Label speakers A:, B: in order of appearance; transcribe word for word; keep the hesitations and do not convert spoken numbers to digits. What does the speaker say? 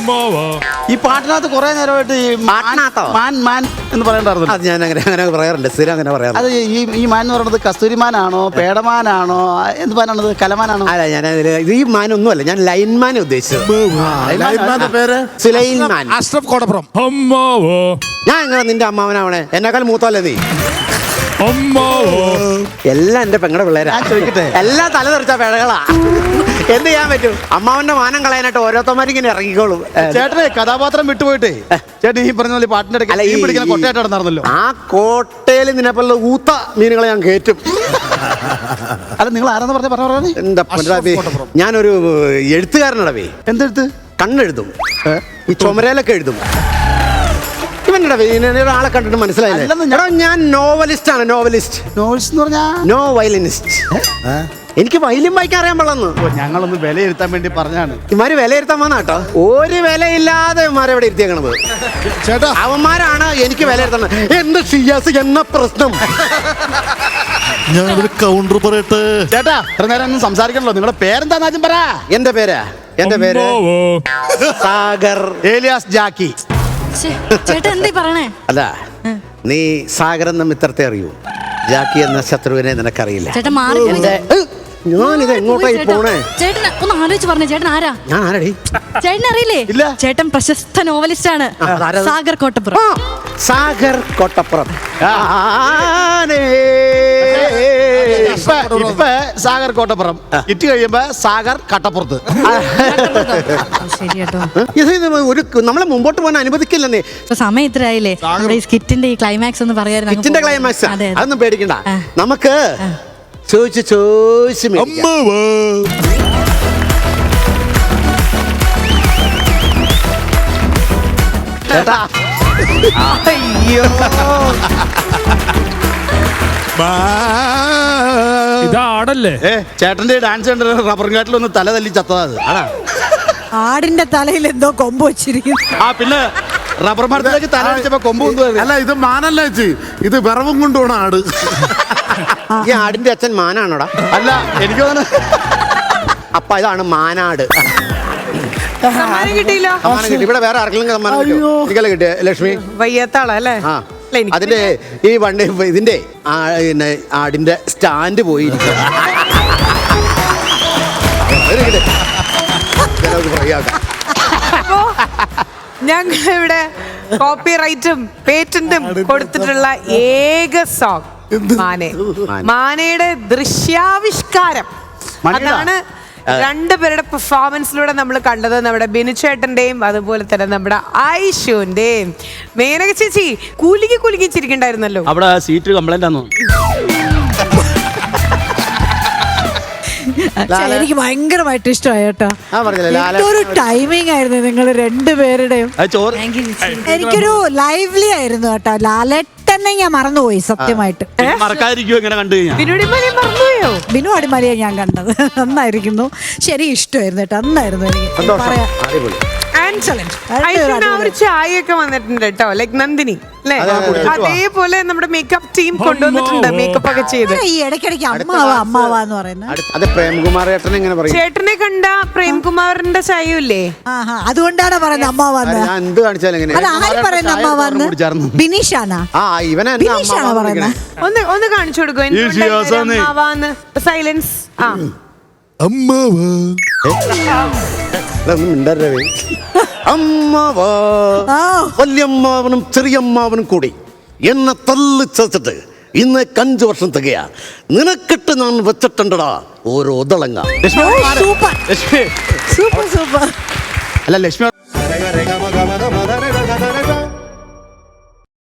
A: ഈ പാട്ടിനകത്ത് കുറെ നേരമായിട്ട് ഈ
B: പാട്ടിനകത്തോ?
A: മാൻ മാൻ എന്ന് പറയണ്ടായിരുന്നു.
B: അത് ഞാൻ അങ്ങനെ അങ്ങനെ പറയാറുണ്ട്, സ്ഥിരം അങ്ങനെ പറയാറുണ്ട്.
A: അത് ഈ ഈ മാൻ എന്ന് പറയുന്നത് കസ്തൂരിമാനാണോ പേടമാനാണോ എന്ത് മാനാണത്? കലമാനാണോ?
B: അല്ല, ഞാൻ ഇത് ഈ മാനൊന്നും അല്ല, ഞാൻ ലൈൻമാനെ ഉദ്ദേശിച്ചത്. സുലൈമാൻ.
C: അഷ്റഫ് കോട്ടപ്പുറം.
B: ഞാൻ എങ്ങനെ നിന്റെ അമ്മാവനാവണേ? എന്നെക്കാൾ മൂത്തല്ലേ നീ? എല്ലാം എന്റെ പെങ്ങളുടെ പിള്ളേരാ.
A: ചോദിക്കട്ടെ,
B: എല്ലാം തല തെറിച്ച പിഴകളാ. എന്ത് ചെയ്യാൻ പറ്റും? അമ്മാവന്റെ മാനം കളയാനായിട്ട് ഓരോരുത്തന്മാരിങ്ങനെ ഇറങ്ങിക്കോളും.
A: ചേട്ടനെ കഥാപാത്രം വിട്ടുപോയിട്ടേ ചേട്ടൻ ഈ പറഞ്ഞ പോലെ പാട്ടിന്റെ ഇടയ്ക്ക് ഈ പിടിക്കുന്ന കൊട്ടയായിട്ട് നടന്നല്ലോ.
B: ആ കോട്ടയിൽ നിന്നെപ്പോലുള്ള ഊത്ത മീനുകളെ ഞാൻ കയറ്റും.
A: അല്ല, നിങ്ങൾ ആരാന്ന് പറഞ്ഞ പറഞ്ഞ
B: എന്താ പൊന്നടാവേ, ഞാനൊരു എഴുത്തുകാരനടവേ.
A: എന്തെടുത്ത്?
B: കണ്ണെഴുതും, ഈ ചുമരയിലൊക്കെ എഴുതും. ഒരാളെ കണ്ടിട്ട് മനസ്സിലായില്ല. ഞാൻ നോവലിസ്റ്റ് ആണ്. നോവലിസ്റ്റ്.
A: നോവൽസ് എന്ന് പറഞ്ഞാ
B: നോ വയലിനിസ്റ്റ്. എനിക്ക് വയലിൻ വായിക്കാൻ അറിയാൻ പാടില്ലെന്ന്.
A: ഞങ്ങളൊന്ന് വിലയിരുത്താൻ വേണ്ടി പറഞ്ഞാണ്.
B: ഇമാര് വിലയിരുത്താൻ വന്ന കേട്ടോ. ഒരു വിലയില്ലാതെ ഇമാരെ ഇവിടെ ഇരുത്തിയേക്കണത്.
C: ചേട്ടാ,
B: അവന്മാരാണ് എനിക്ക് വിലയിരുത്തണത്. എന്ത് ഷിയാസ് എന്ന പ്രശ്നം.
C: ഞാനൊരു കൗണ്ടർ പറയട്ടെ.
A: ചേട്ടാ, ഇത്ര നേരം ഒന്നും സംസാരിക്കണല്ലോ. നിങ്ങളുടെ പേരെന്താന്ന് ആദ്യം പറ.
B: എന്റെ പേരാ എന്റെ പേര് സാഗർ
A: ഏലിയാസ് ജാക്കി.
D: ചേട്ടാ എന്താ പറയണേ?
B: അല്ല, നീ സാഗർ എന്ന മിത്രത്തെ അറിയൂ, ജാക്കി എന്ന ശത്രുവിനെ നിനക്കറിയില്ല.
D: ചേട്ടാ മാറി.
B: ഞാനിത് എങ്ങോട്ടായി പോണേ?
D: ചേട്ടൻ ഒന്ന് ആലോചിച്ച് പറഞ്ഞേ, ചേട്ടൻ ആരാ?
B: ഞാൻ ആരടി?
D: ചേട്ടൻ അറിയില്ലേ?
A: ഇല്ല.
D: ചേട്ടൻ പ്രശസ്ത നോവലിസ്റ്റ് ആണ്, സാഗർ കോട്ടപ്പുറം.
B: സാഗർ കോട്ടപ്പുറം.
A: ഇപ്പൊ സാഗർ കോട്ടപ്പുറം ഇറ്റ് കഴിയുമ്പോ സാഗർ കട്ടപ്പുറത്ത്.
D: ശരി കേട്ടോ,
B: ഇത് ഒരു നമ്മളെ മുമ്പോട്ട് പോകാൻ അനുവദിക്കില്ലെന്നേ.
D: സമയം ഇത്ര ആയില്ലേ? നമ്മുടെ ഈ സ്കിറ്റിന്റെ ഈ ക്ലൈമാക്സ് ഒന്ന് പറയായിരുന്നു.
B: സ്കിറ്റിന്റെ ക്ലൈമാക്സ് അതൊന്നും പേടിക്കണ്ട. നമുക്ക് ചോദിച്ച് ചോദിച്ച് ചേട്ടാ. അയ്യോ,
E: ഇതാടല്ലേ?
A: ഏ ചേട്ടന്റെ ഡാൻസ് കണ്ട റബ്ബർ കാട്ടിൽ ഒന്ന് തല തല്ലി ചത്തതാ. ആടാ,
F: ആടിന്റെ തലയിൽ എന്തോ കൊമ്പ് വെച്ചിരിക്കും.
A: ആ പിന്നെ റബ്ബർ മരത്തിലേക്ക് തല വെച്ചപ്പോ കൊമ്പ് കൊണ്ടുപോയി.
C: അല്ല, ഇത് മാനല്ല ചേച്ചി, ഇത് വിറവും കൊണ്ടുപോണ ആട്.
B: ഈ ആടിന്റെ അച്ഛൻ മാനാണോടാ?
A: അല്ല, എനിക്ക് തോന്നുന്നു
B: അപ്പ ഇതാണ് മാനാട്.
F: സമ്മാനം കിട്ടിയില്ല.
B: സമ്മാനം കിട്ടി. ഇവിടെ വേറെ ആർക്കെങ്കിലും സമ്മാനം കിട്ടിയോ? എനിക്കല്ലേ കിട്ടിയ ലക്ഷ്മി?
F: വയ്യാത്താളല്ലേ?
B: ആ, അതിന്റെ ഈ വണ്ടി ഇതിന്റെ പിന്നെ ആടിന്റെ സ്റ്റാൻഡ് പോയി.
F: ഞങ്ങൾ ഇവിടെ കോപ്പി റൈറ്റും പേറ്റന്റും കൊടുത്തിട്ടുള്ള ഏക സോങ് മാനെ. മാനയുടെ ദൃശ്യാവിഷ്കാരം അതാണ് രണ്ടുപേരുടെ പെർഫോമൻസിലൂടെ നമ്മൾ കണ്ടത്. നമ്മുടെ ബിനുചേട്ടന്റെയും അതുപോലെ തന്നെ നമ്മുടെ ഐഷുവിന്റെയും. മേനക ചേച്ചി കുലുക്കി കുലുക്കി ചിരിക്കണ്ടായിരുന്നല്ലോ.
A: അവിടെ സീറ്റ് കംപ്ലൈന്റ് ആണോ?
F: എനിക്ക് ഭയങ്കരമായിട്ട് ഇഷ്ടമായി കേട്ടോ.
B: ആ പറഞ്ഞില്ലേ,
F: ഒരു ടൈമിംഗ് ആയിരുന്നു നിങ്ങൾ രണ്ടുപേരുടെയും.
A: ചോറ്
F: എനിക്കൊരു ലൈവ്ലി ആയിരുന്നു കേട്ടോ. ലാലേട്ടനെ ഞാൻ മറന്നുപോയി സത്യമായിട്ട്.
A: മറക്കാതിരിക്കും എങ്ങനെ കണ്ടു കഴിഞ്ഞാൽ.
F: ബിനുടിമലയെ മറന്നുപോയോ? ബിനു അടിമലയെ ഞാൻ കണ്ടത് നന്നായിരിക്കുന്നു. ശരി, ഇഷ്ടമായിരുന്നു കേട്ടോ. നന്നായിരുന്നു. എനിക്ക് പറയാം, ഒരു ചായയൊക്കെ വന്നിട്ടുണ്ട് കേട്ടോ, ലൈക് നന്ദിനി അല്ലേ? അതേപോലെ നമ്മുടെ മേക്കപ്പ് ടീം കൊണ്ടുവന്നിട്ടുണ്ട്, മേക്കപ്പ് ഒക്കെ ചെയ്ത്. ഈ ഇടയ്ക്കിടയ്ക്ക് അമ്മാവാ അമ്മാവാ എന്ന് പറയുന്നത്.
B: അത് പ്രേംകുമാർ ചേട്ടൻ എങ്ങനെ പറയും?
F: ചേട്ടനെ കണ്ട പ്രേംകുമാറിന്റെ ചായയില്ലേ? അതുകൊണ്ടാണ് പറയുന്നത് അമ്മാവാന്ന്.
B: ഞാൻ എന്ത് കാണിച്ചാലും എങ്ങനെ?
F: അത് ആര് പറയുന്നത് അമ്മാവാന്ന്? ബിനീഷാണാ?
B: ആ, ഇവനെ
F: ബിനീഷാണോ പറയുന്നത്? ഒന്ന് ഒന്ന് കാണിച്ചു കൊടുക്കും അമ്മാവാന്ന്. സൈലൻസ്. ആ,
C: അമ്മാവാ
B: അമ്മാവാ, വല്യമ്മാവനും ചെറിയമ്മാവനും കൂടി എന്നെ തള്ളി ചേർത്തിട്ട് ഇന്ന് അഞ്ചു വർഷം തികയാ. നിനക്കിട്ട് ഞാൻ വെച്ചിട്ടുണ്ടടാ ഓരോ ഒതളങ്ങ.
A: Lakshmi
F: super super.
A: അല്ല ലക്ഷ്മി